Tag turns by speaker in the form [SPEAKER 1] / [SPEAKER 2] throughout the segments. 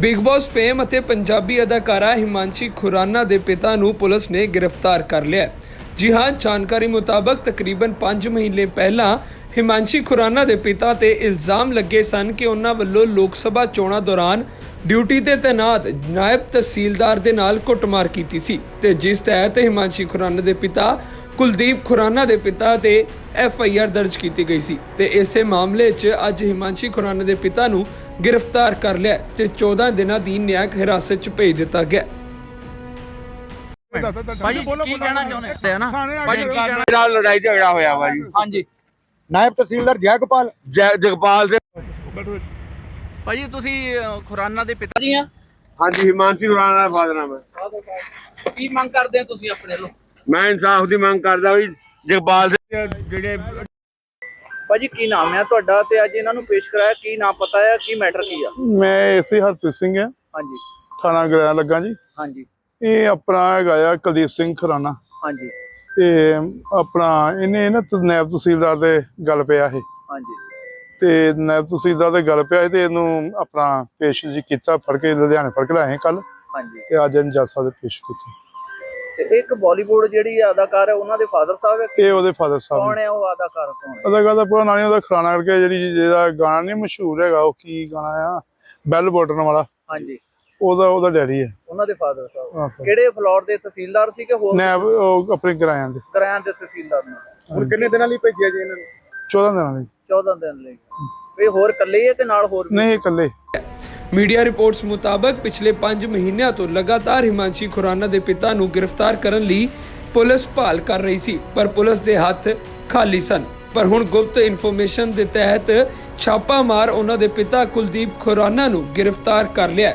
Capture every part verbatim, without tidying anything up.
[SPEAKER 1] Big boss fame ਅਤੇ ਪੰਜਾਬੀ ਅਦਾਕਾਰਾ ਹਿਮਾਂਸ਼ੀ ਖੁਰਾਨਾ ਦੇ ਪਿਤਾ ਨੂੰ ਪੁਲਿਸ ਨੇ ਗ੍ਰਿਫਤਾਰ ਕਰ ਲਿਆ। ਜੀ ਹਾਂ, ਜਾਣਕਾਰੀ ਮੁਤਾਬਕ ਤਕਰੀਬਨ ਪੰਜ ਮਹੀਨੇ ਪਹਿਲਾਂ ਹਿਮਾਂਸ਼ੀ ਖੁਰਾਨਾ ਦੇ ਪਿਤਾ ਤੇ ਇਲਜ਼ਾਮ ਲੱਗੇ ਸਨ ਕਿ ਉਹਨਾਂ ਵੱਲੋਂ ਲੋਕ ਸਭਾ ਚੋਣਾਂ ਦੌਰਾਨ ਡਿਊਟੀ ਤੇ ਤੈਨਾਤ ਨਾਇਬ ਤਹਿਸੀਲਦਾਰ ਦੇ ਨਾਲ ਕੁੱਟਮਾਰ ਕੀਤੀ ਸੀ ਤੇ ਜਿਸ ਤਹਿਤ ਹਿਮਾਂਸ਼ੀ ਖੁਰਾਨਾ ਦੇ ਪਿਤਾ ਕੁਲਦੀਪ ਖੁਰਾਨਾ ਦੇ ਪਿਤਾ ਤੇ ਐਫ ਆਈ ਆਰ ਦਰਜ ਕੀਤੀ ਗਈ ਸੀ ਤੇ ਇਸੇ ਮਾਮਲੇ 'ਚ ਅੱਜ ਹਿਮਾਂਸ਼ੀ ਖੁਰਾਨਾ ਦੇ ਪਿਤਾ ਨੂੰ गिरफ्तार कर लिया ते चौदह दिनों की न्यायिक हिरासत च भेज दिता गया।
[SPEAKER 2] लड़ाई झगड़ा होया वा जी।
[SPEAKER 3] हाँ जी,
[SPEAKER 2] नायब तहसीलदार जयगोपाल जय जगपाल से
[SPEAKER 3] भाजी तुसी खुराना दे पिता जी हैं?
[SPEAKER 2] हाँ जी, हिमांशी खुराना दा फादर नाम है।
[SPEAKER 3] की मंग करदे हैं तुसी अपने लो?
[SPEAKER 2] मैं इंसाफ दी मंग करदा भी जगपाल से जेडे
[SPEAKER 3] भाजी की नाम है तुहाडा ते अज इन्हां नूं पेश कराया, की नाम पता है, की मैटर की है?
[SPEAKER 4] मैं एसी हरप्रीत सिंह है,
[SPEAKER 3] हाँ जी,
[SPEAKER 4] थाना गया लगा जी।
[SPEAKER 3] हाँ जी,
[SPEAKER 4] ये अपना है कुलदीप सिंह खुराना
[SPEAKER 3] हाँ जी,
[SPEAKER 4] ते अपना इन्हें ना नायब तहसीलदार दे गल पिया है
[SPEAKER 3] हाँ जी,
[SPEAKER 4] ते नायब तहसीलदार दे गल पिया ते इनू अपना पेश जी कीता, फड़ के लुधियाने फड़ के लाए कल
[SPEAKER 3] हाँ जी।
[SPEAKER 4] ते अज इन जज साहब दे पेश कीते।
[SPEAKER 3] ते एक बॉलीवुड जेहड़ी अदाकार है उन्हां दे फादर साहब है?
[SPEAKER 4] ये ओदे फादर साहब
[SPEAKER 3] कौन है वो अदाकार? कौन है
[SPEAKER 4] अदाकार दा पूरा नाम नहीं, ओदा खुराना करके जेहड़ी जेहदा गाना नहीं मशहूर हैगा, ओ की गाना आ बैल बटन वाला,
[SPEAKER 3] हाँ जी,
[SPEAKER 4] ओदा ओदा डैडी है।
[SPEAKER 3] उन्हां दे फादर साहब
[SPEAKER 4] आहो।
[SPEAKER 3] किहड़े फ्लोर दे तहसीलदार सी कि होर
[SPEAKER 4] नायब ओ अपने किराया दे
[SPEAKER 3] किराया दे तहसीलदार ने?
[SPEAKER 2] ਹੁਣ ਕਿੰਨੇ ਦਿਨਾਂ ਲਈ ਭੇਜਿਆ ਜੀ ਇਹਨਾਂ ਨੂੰ?
[SPEAKER 4] चौदह दिन ਦੀ।
[SPEAKER 3] चौदह दिन ले ਇਹ ਹੋਰ ਇਕੱਲੇ ਹੈ ਕਿ ਨਾਲ ਹੋਰ ਵੀ?
[SPEAKER 4] नहीं इकल्ले।
[SPEAKER 1] मीडिया रिपोर्ट्स मुताबक पिछले पांच महीनों तो लगातार हिमांशी खुराना के पिता ਨੂੰ गिरफ्तार करने ਲਈ पुलिस भाल कर रही सी, पर पुलिस के हथ खाली सन। पर हुण गुप्त इन्फॉर्मेशन के तहत छापा मार उन्हां दे पिता कुलदीप खुराना ਨੂੰ गिरफ्तार कर लिया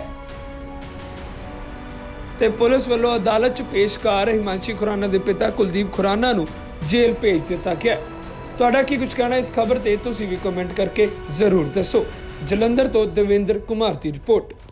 [SPEAKER 1] ते पुलिस वालों अदालत च पेश कर हिमांशी खुराना के पिता कुलदीप खुराना ਨੂੰ जेल भेज दिता गया। तुहाडा की कुछ कहना इस खबर ते तुसीं भी कमेंट करके जरूर दसो। जलंधर तो देवेंद्र कुमार की रिपोर्ट।